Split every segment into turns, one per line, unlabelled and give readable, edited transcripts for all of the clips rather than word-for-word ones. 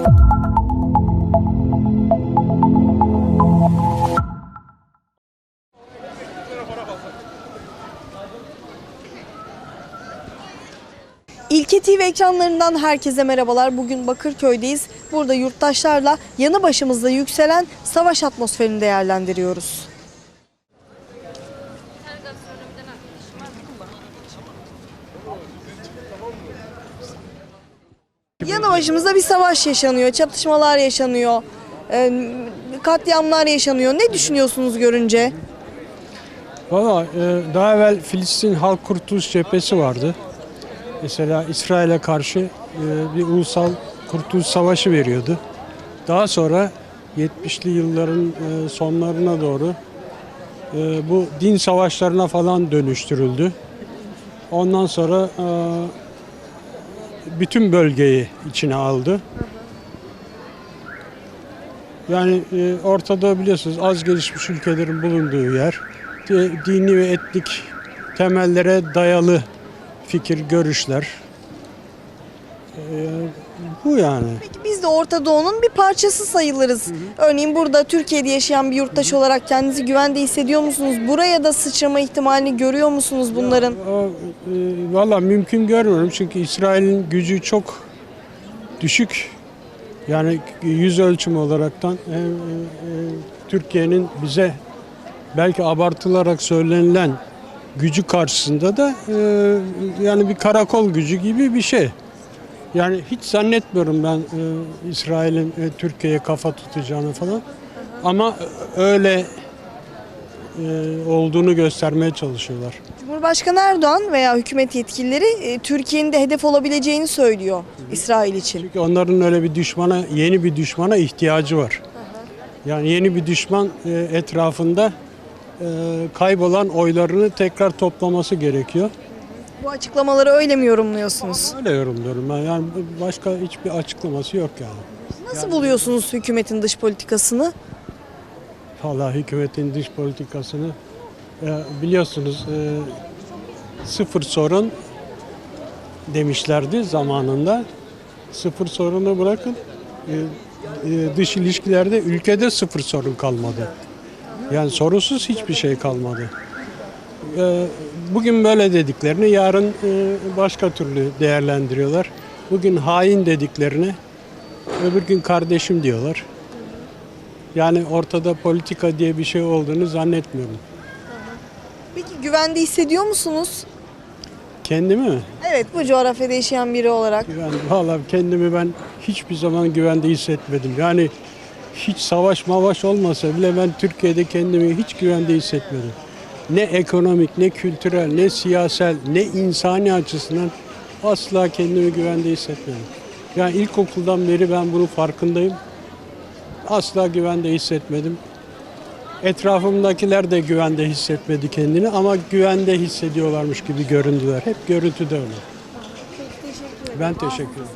İlke TV ekranlarından herkese merhabalar. Bugün Bakırköy'deyiz. Burada yurttaşlarla yanı başımızda yükselen savaş atmosferini değerlendiriyoruz. Yanı başımızda bir savaş yaşanıyor, çatışmalar yaşanıyor, katliamlar yaşanıyor. Ne düşünüyorsunuz görünce?
Valla daha evvel Filistin Halk Kurtuluş Cephesi vardı. Mesela İsrail'e karşı bir ulusal kurtuluş savaşı veriyordu. Daha sonra 70'li yılların sonlarına doğru bu din savaşlarına falan dönüştürüldü. Ondan sonra bütün bölgeyi içine aldı. Yani Orta Doğu biliyorsunuz az gelişmiş ülkelerin bulunduğu yer. Dini ve etnik temellere dayalı fikir, görüşler. Bu yani.
Peki biz de Orta Doğu'nun bir parçası sayılırız. Örneğin burada Türkiye'de yaşayan bir yurttaş olarak kendinizi güvende hissediyor musunuz? Buraya da sıçrama ihtimalini görüyor musunuz bunların?
Valla mümkün görmüyorum çünkü İsrail'in gücü çok düşük. Yani yüz ölçümü olaraktan Türkiye'nin bize belki abartılarak söylenilen gücü karşısında da yani bir karakol gücü gibi bir şey. Yani hiç zannetmiyorum ben İsrail'in Türkiye'ye kafa tutacağını falan. Ama öyle olduğunu göstermeye çalışıyorlar.
Cumhurbaşkanı Erdoğan veya hükümet yetkilileri Türkiye'nin de hedef olabileceğini söylüyor İsrail için.
Çünkü onların öyle bir düşmana, yeni bir düşmana ihtiyacı var. Yani yeni bir düşman etrafında kaybolan oylarını tekrar toplaması gerekiyor.
Bu açıklamaları öyle mi yorumluyorsunuz?
Öyle yorumluyorum ben. Yani başka hiçbir açıklaması yok yani.
Nasıl buluyorsunuz hükümetin dış politikasını?
Vallahi hükümetin dış politikasını biliyorsunuz sıfır sorun demişlerdi zamanında. Sıfır sorunu bırakın dış ilişkilerde ülkede sıfır sorun kalmadı. Yani sorunsuz hiçbir şey kalmadı. Bugün böyle dediklerini yarın başka türlü değerlendiriyorlar. Bugün hain dediklerini öbür gün kardeşim diyorlar. Yani ortada politika diye bir şey olduğunu zannetmiyorum.
Peki güvende hissediyor musunuz?
Kendimi mi?
Evet, bu coğrafyada yaşayan biri olarak.
Vallahi kendimi ben hiçbir zaman güvende hissetmedim. Yani hiç savaş mavaş olmasa bile ben Türkiye'de kendimi hiç güvende hissetmedim. Ne ekonomik, ne kültürel, ne siyasal, ne insani açısından asla kendimi güvende hissetmedim. Yani ilkokuldan beri ben bunun farkındayım. Asla güvende hissetmedim. Etrafımdakiler de güvende hissetmedi kendini ama güvende hissediyorlarmış gibi göründüler. Hep görüntüde öyle. Ben teşekkür ederim.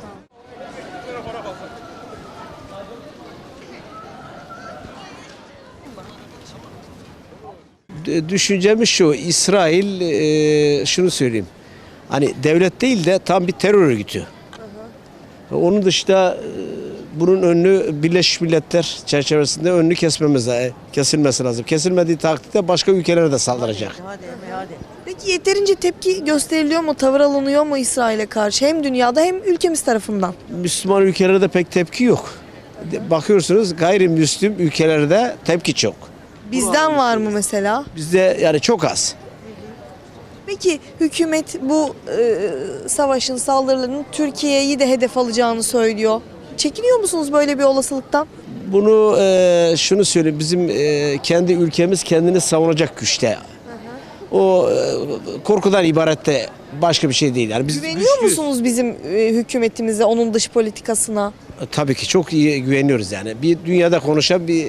Düşüncemiz şu, İsrail şunu söyleyeyim. Hani devlet değil de tam bir terör örgütü. Onun dışında bunun önünü Birleşmiş Milletler çerçevesinde önünü kesilmesi lazım. Kesilmediği takdirde başka ülkelere de saldıracak.
Peki yeterince tepki gösteriliyor mu, tavır alınıyor mu İsrail'e karşı hem dünyada hem ülkemiz tarafından?
Müslüman ülkelerde pek tepki yok. Bakıyorsunuz gayrimüslim ülkelerde tepki çok.
Bizden var mı mesela?
Bizde yani çok az.
Peki hükümet bu savaşın, saldırıların Türkiye'yi de hedef alacağını söylüyor. Çekiniyor musunuz böyle bir olasılıktan?
Bunu şunu söyleyeyim, bizim kendi ülkemiz kendini savunacak güçte. O korkudan ibaret de başka bir şey değil. Yani biz
Güveniyor
güçlüyüz.
musunuz bizim hükümetimize, onun dış politikasına?
Tabii ki çok iyi güveniyoruz yani. Bir dünyada konuşan bir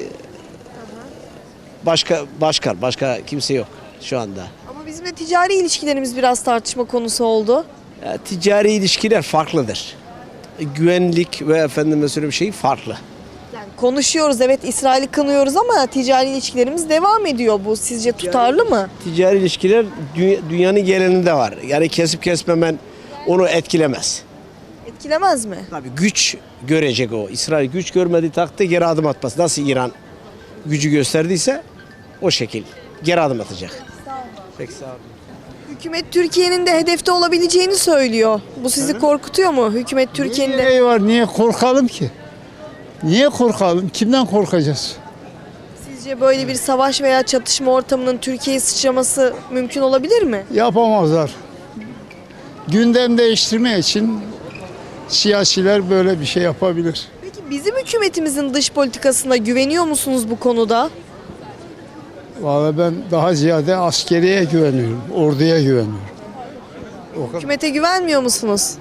başka kimse yok şu anda.
Ama bizim de ticari ilişkilerimiz biraz tartışma konusu oldu.
Ticari ilişkiler farklıdır. Güvenlik ve efendime söyleyeyim şey farklı.
Yani konuşuyoruz, evet, İsrail'i kınıyoruz ama ticari ilişkilerimiz devam ediyor. Bu sizce tutarlı mı?
Ticari ilişkiler dünyanın genelinde var. Yani kesip kesmemen onu etkilemez.
Etkilemez mi?
Tabii güç görecek o. İsrail güç görmediği takdirde geri adım atmaz. Nasıl İran gücü gösterdiyse o şekil geri adım atacak. Peki sağ olun.
Hükümet Türkiye'nin de hedefte olabileceğini söylüyor. Bu sizi korkutuyor mu? Hükümet Türkiye'nin de...
Niye var? Niye korkalım ki? Niye korkalım? Kimden korkacağız?
Sizce böyle bir savaş veya çatışma ortamının Türkiye'ye sıçraması mümkün olabilir mi?
Yapamazlar. Gündem değiştirme için siyasiler böyle bir şey yapabilir.
Peki bizim hükümetimizin dış politikasına güveniyor musunuz bu konuda?
Vallahi ben daha ziyade askeriye güveniyorum, orduya güveniyorum. O kadar.
Hükümete güvenmiyor musunuz?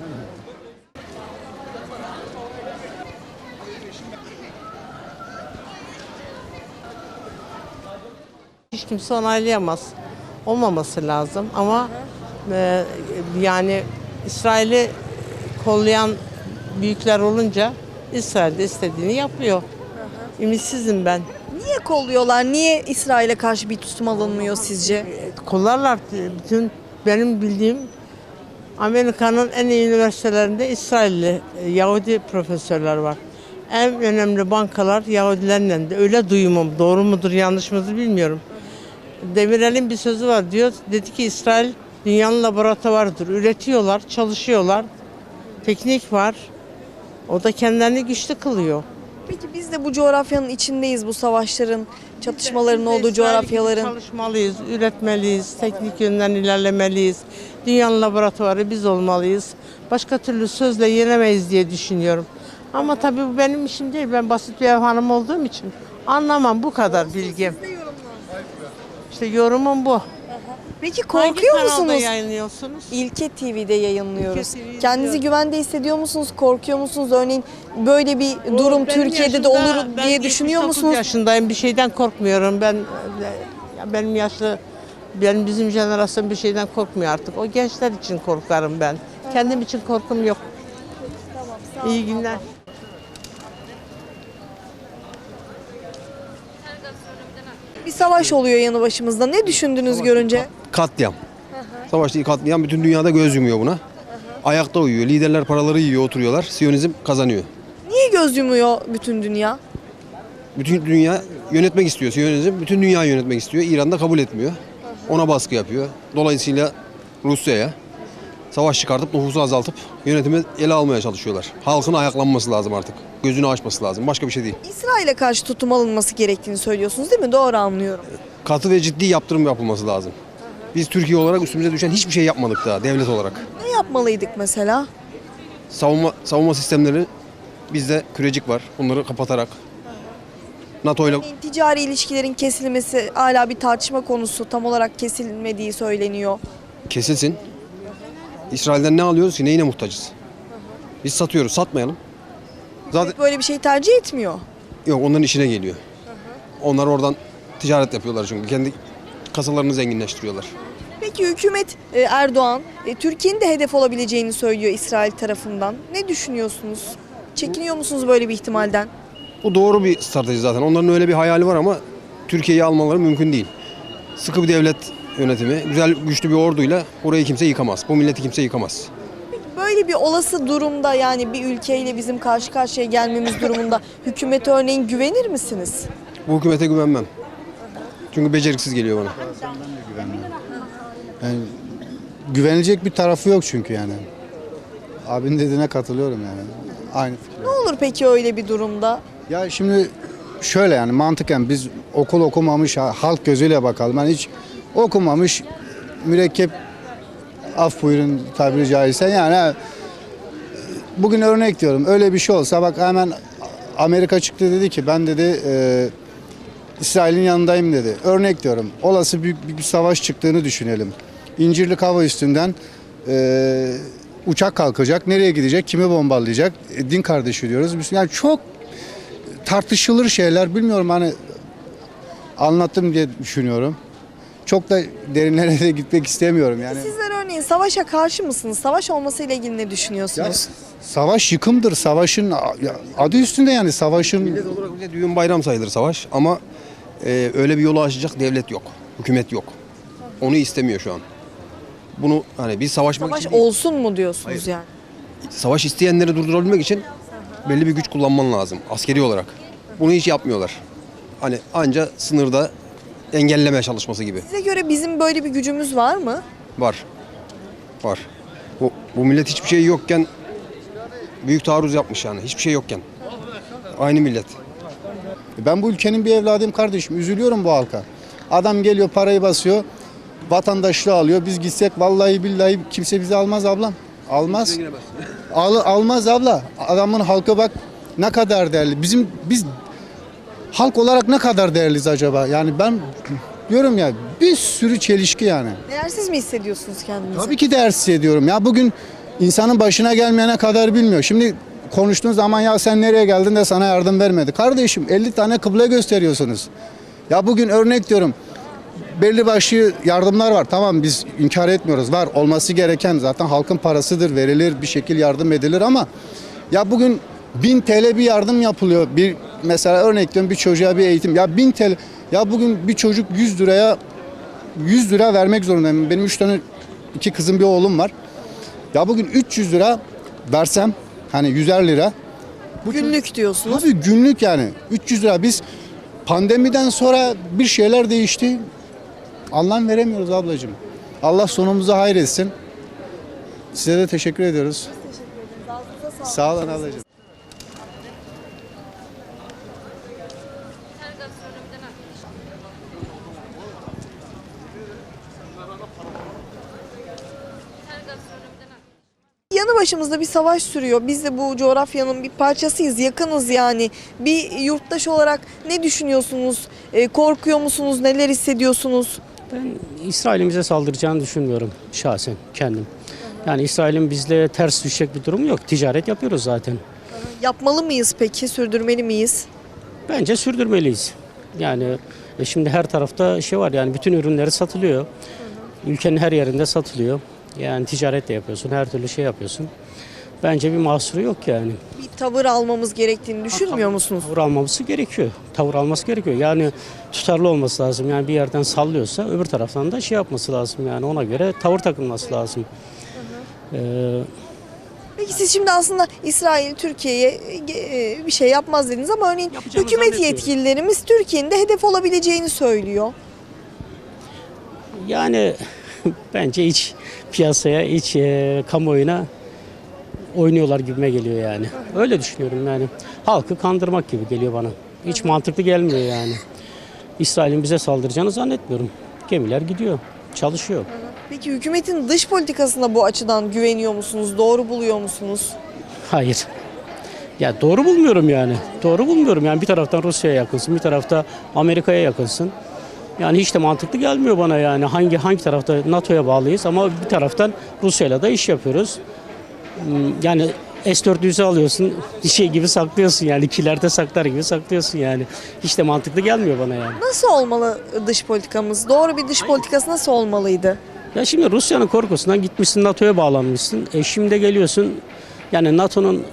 Hiç kimse onaylayamaz. Olmaması lazım ama yani İsrail'i kollayan büyükler olunca İsrail de istediğini yapıyor. Ümitsizim ben.
Niye kolluyorlar? Niye İsrail'e karşı bir tutum alınmıyor sizce?
Kollarlar bütün benim bildiğim Amerika'nın en iyi üniversitelerinde İsrailli Yahudi profesörler var. En önemli bankalar Yahudilerle de öyle duyumum. Doğru mudur yanlış mıdır bilmiyorum. Demirel'in bir sözü var diyor. Dedi ki İsrail dünyanın laboratuvarıdır. Üretiyorlar, çalışıyorlar. Teknik var. O da kendilerini güçlü kılıyor.
Peki biz de bu coğrafyanın içindeyiz, bu savaşların, çatışmaların
Biz de
olduğu
İsrail gibi
coğrafyaların.
çalışmalıyız, üretmeliyiz, teknik yönden ilerlemeliyiz. Dünyanın laboratuvarı biz olmalıyız. Başka türlü sözle yenemeyiz diye düşünüyorum. Ama tabii bu benim işim değil. Ben basit bir ev hanımı olduğum için anlamam, bu kadar bilgim. İşte yorumum bu.
Peki
Hangi
korkuyor
kanalda
musunuz?
yayınlıyorsunuz?
İlke TV'de yayınlıyoruz.
İlke TV'de
Kendinizi
izliyorum.
güvende hissediyor musunuz? Korkuyor musunuz? Örneğin böyle bir durum
Benim
Türkiye'de de
yaşımda-
olur
ben
diye düşünüyor
79
musunuz?
yaşındayım, bir şeyden korkmuyorum. Benim yaşlı, bizim jenerasyon bir şeyden korkmuyor artık. O gençler için korkarım ben. Kendim için korkum yok. İyi günler.
Bir savaş oluyor yanı başımızda. Ne düşündünüz görünce?
Katliam. Savaş değil, katliam. Bütün dünyada göz yumuyor buna. Ayakta uyuyor. Liderler paraları yiyor, oturuyorlar. Siyonizm kazanıyor.
Niye göz yumuyor bütün dünya?
Bütün dünya yönetmek istiyor. Siyonizm bütün dünyayı yönetmek istiyor. İran da kabul etmiyor. Ona baskı yapıyor. Dolayısıyla Rusya'ya savaş çıkartıp nüfusu azaltıp yönetimi ele almaya çalışıyorlar. Halkın ayaklanması lazım artık. Gözünü açması lazım. Başka bir şey değil.
İsrail'e karşı tutum alınması gerektiğini söylüyorsunuz değil mi? Doğru anlıyorum.
Katı ve ciddi yaptırım yapılması lazım. Biz Türkiye olarak üstümüze düşen hiçbir şey yapmadık daha devlet olarak.
Ne yapmalıydık mesela?
Savunma sistemleri bizde kürecik var. Bunları kapatarak NATO ile
Örneğin ticari ilişkilerin kesilmesi hala bir tartışma konusu. Tam olarak kesilmediği söyleniyor.
kesilsin. İsrail'den ne alıyoruz ki? Neyine muhtacız? Biz satıyoruz. Satmayalım. Zaten
Böyle bir şey tercih etmiyor.
yok, onların işine geliyor. Onlar oradan ticaret yapıyorlar çünkü. Kendi kasalarını zenginleştiriyorlar.
Peki hükümet Erdoğan Türkiye'nin de hedef olabileceğini söylüyor İsrail tarafından. Ne düşünüyorsunuz? Çekiniyor musunuz böyle bir ihtimalden?
Bu doğru bir strateji zaten. Onların öyle bir hayali var ama Türkiye'yi almaları mümkün değil. Sıkı bir devlet yönetimi, güzel güçlü bir orduyla burayı kimse yıkamaz. Bu milleti kimse yıkamaz.
Böyle bir olası durumda, yani bir ülkeyle bizim karşı karşıya gelmemiz durumunda hükümete örneğin güvenir misiniz?
Bu hükümete güvenmem. Çünkü beceriksiz geliyor bana.
Yani güvenilecek bir tarafı yok çünkü yani. Abinin dediğine katılıyorum yani. Aynı fikir.
Ne olur peki öyle bir durumda?
Ya şimdi şöyle yani mantıken biz okul okumamış halk gözüyle bakalım. Yani hiç okumamış mürekkep, af buyurun tabiri caizse yani bugün örnek diyorum, öyle bir şey olsa bak hemen Amerika çıktı dedi ki ben dedi İsrail'in yanındayım dedi. Örnek diyorum, olası büyük bir savaş çıktığını düşünelim. İncirlik hava üstünden uçak kalkacak. Nereye gidecek? Kimi bombalayacak? Din kardeşi diyoruz. Yani çok tartışılır şeyler. Bilmiyorum, hani anlattım diye düşünüyorum. Çok da derinlere de gitmek istemiyorum yani.
Sizler örneğin savaşa karşı mısınız? Savaş olmasıyla ilgili ne düşünüyorsunuz?
Savaş yıkımdır. Savaşın adı üstünde yani savaşın.
Millet olarak bile düğün bayram sayılır savaş ama öyle bir yolu açacak devlet yok, hükümet yok. Onu istemiyor şu an. Bunu hani biz savaşmak
Savaş
için değil,
olsun mu diyorsunuz
Hayır.
yani?
savaş isteyenleri durdurabilmek için belli bir güç kullanman lazım askeri olarak. Bunu hiç yapmıyorlar. Hani anca sınırda engelleme çalışması gibi.
Size göre bizim böyle bir gücümüz var mı?
Var. Var. Bu millet hiçbir şey yokken büyük taarruz yapmış yani. Hiçbir şey yokken. Aynı millet.
Ben bu ülkenin bir evladıyım kardeşim. Üzülüyorum bu halka. Adam geliyor parayı basıyor. Vatandaşlığı alıyor. Biz gitsek vallahi billahi kimse bizi almaz ablam. Almaz. Almaz abla. Adamın halkı bak ne kadar değerli. Biz halk olarak ne kadar değerliyiz acaba? Yani ben diyorum ya bir sürü çelişki yani.
Değersiz mi hissediyorsunuz kendinizi?
Tabii ki değersiz ediyorum. Ya bugün insanın başına gelmeyene kadar bilmiyor. Şimdi konuştuğun zaman ya sen nereye geldin de sana yardım vermedi. Kardeşim 50 tane kıble gösteriyorsunuz. Ya bugün örnek diyorum. Belli başlı yardımlar var. Tamam biz inkar etmiyoruz. Var olması gereken zaten halkın parasıdır. Verilir bir şekil yardım edilir ama ya bugün 1000 TL bir yardım yapılıyor. Bir mesela örnek diyorum bir çocuğa bir eğitim. Ya 1000 TL. Ya bugün bir çocuk 100 lira vermek zorundayım. Benim 2 kızım bir oğlum var. Ya bugün 300 lira versem hani 100'er lira.
Günlük diyorsunuz.
Tabii günlük yani 300 lira biz pandemiden sonra bir şeyler değişti. Anlam veremiyoruz ablacığım. Allah sonumuzu hayretsin. Size de teşekkür ediyoruz. Sağ olun ablacığım.
Yanı başımızda bir savaş sürüyor. Biz de bu coğrafyanın bir parçasıyız, yakınız yani. Bir yurttaş olarak ne düşünüyorsunuz? Korkuyor musunuz? Neler hissediyorsunuz?
Ben İsrail'in bize saldıracağını düşünmüyorum şahsen kendim. Yani İsrail'in bizle ters düşecek bir durumu yok. Ticaret yapıyoruz zaten.
Yapmalı mıyız peki? Sürdürmeli miyiz?
Bence sürdürmeliyiz. Yani şimdi her tarafta şey var yani bütün ürünleri satılıyor. Ülkenin her yerinde satılıyor. Yani ticaret de yapıyorsun, her türlü şey yapıyorsun. Bence bir mahsuru yok yani.
Bir tavır almamız gerektiğini düşünmüyor musunuz?
Tavır alması gerekiyor. Tavır alması gerekiyor. Yani tutarlı olması lazım. Yani bir yerden sallıyorsa öbür taraftan da şey yapması lazım. Yani ona göre tavır takılması lazım.
Peki siz şimdi aslında İsrail Türkiye'ye bir şey yapmaz dediniz ama örneğin
Yapacağını
hükümet
zannetmiyorum.
yetkililerimiz Türkiye'nin de hedef olabileceğini söylüyor.
Yani bence iç piyasaya, iç kamuoyuna oynuyorlar gibime geliyor yani. Öyle düşünüyorum yani. Halkı kandırmak gibi geliyor bana. Hiç mantıklı gelmiyor yani. İsrail'in bize saldıracağını zannetmiyorum. Gemiler gidiyor, çalışıyor.
Peki hükümetin dış politikasına bu açıdan güveniyor musunuz? Doğru buluyor musunuz?
Hayır. Ya doğru bulmuyorum yani. Doğru bulmuyorum yani bir taraftan Rusya'ya yakınsın, bir tarafta Amerika'ya yakınsın. Yani hiç de mantıklı gelmiyor bana yani. Hangi tarafta NATO'ya bağlıyız ama bir taraftan Rusya'yla da iş yapıyoruz. Yani S-400'ü alıyorsun, şey gibi saklıyorsun yani kilerde saklar gibi saklıyorsun yani. Hiç de mantıklı gelmiyor bana yani.
Nasıl olmalı dış politikamız? Doğru bir dış politikası nasıl olmalıydı?
Ya şimdi Rusya'nın korkusundan gitmişsin NATO'ya bağlanmışsın. Şimdi de geliyorsun yani NATO'nun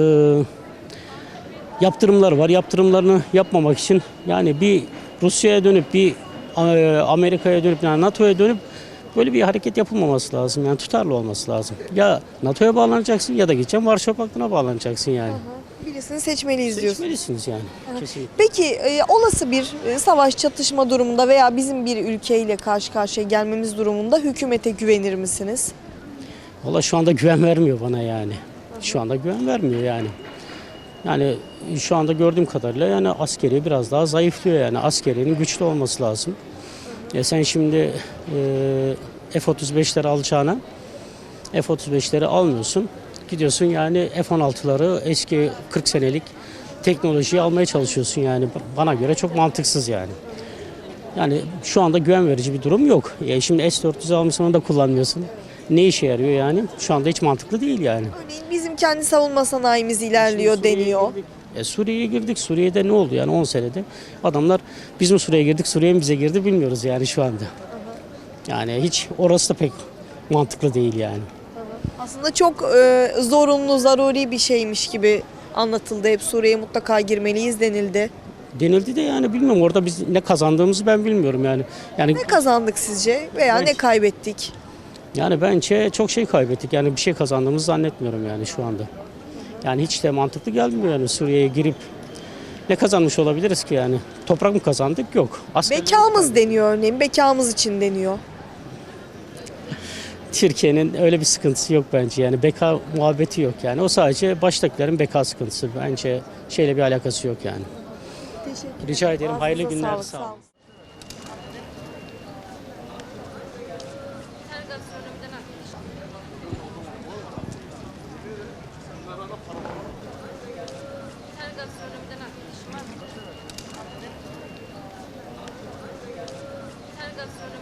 yaptırımları var. Yaptırımlarını yapmamak için yani bir Rusya'ya dönüp bir Amerika'ya dönüp yani NATO'ya dönüp böyle bir hareket yapılmaması lazım. Yani tutarlı olması lazım. Ya NATO'ya bağlanacaksın ya da gideceksin Varşova Paktı'na bağlanacaksın yani.
Birisini seçmeliyiz diyorsunuz.
Seçmelisiniz yani. Kesinlikle.
Peki olası bir savaş çatışma durumunda veya bizim bir ülkeyle karşı karşıya gelmemiz durumunda hükümete güvenir misiniz?
Valla şu anda güven vermiyor bana yani. Şu anda güven vermiyor yani. Yani şu anda gördüğüm kadarıyla yani askeri biraz daha zayıflıyor yani. Askerinin güçlü olması lazım. Sen şimdi F-35'leri alacağına F-35'leri almıyorsun. Gidiyorsun yani F-16'ları eski 40 senelik teknolojiyi almaya çalışıyorsun yani. Bana göre çok mantıksız yani. Yani şu anda güven verici bir durum yok. Şimdi S-400 almışsın onu da kullanmıyorsun. Ne işe yarıyor yani? Şu anda hiç mantıklı değil yani.
Örneğin bizim kendi savunma sanayimiz ilerliyor deniyor.
Suriye'ye girdik. Suriye'de ne oldu yani 10 senede? Adamlar biz mi Suriye'ye girdik, Suriye mi bize girdi bilmiyoruz yani şu anda. Yani hiç orası da pek mantıklı değil yani.
Aslında çok zorunlu, zaruri bir şeymiş gibi anlatıldı. Hep Suriye'ye mutlaka girmeliyiz denildi.
Denildi de yani bilmiyorum orada biz ne kazandığımızı ben bilmiyorum yani. Yani
Ne kazandık sizce veya ne kaybettik?
bence çok şey kaybettik. Yani bir şey kazandığımızı zannetmiyorum yani şu anda. Yani hiç de mantıklı gelmiyor yani Suriye'ye girip ne kazanmış olabiliriz ki yani? Toprak mı kazandık? Yok.
Bekamız deniyor örneğin. Bekamız için deniyor.
Türkiye'nin öyle bir sıkıntısı yok bence yani beka muhabbeti yok yani. O sadece baştakilerin beka sıkıntısı. Bence şeyle bir alakası yok yani.
Teşekkür
Rica ederim. Hayırlı
Ağzınıza
günler.
sağlık,
Sağ olun.
olun.
Tergastronomiden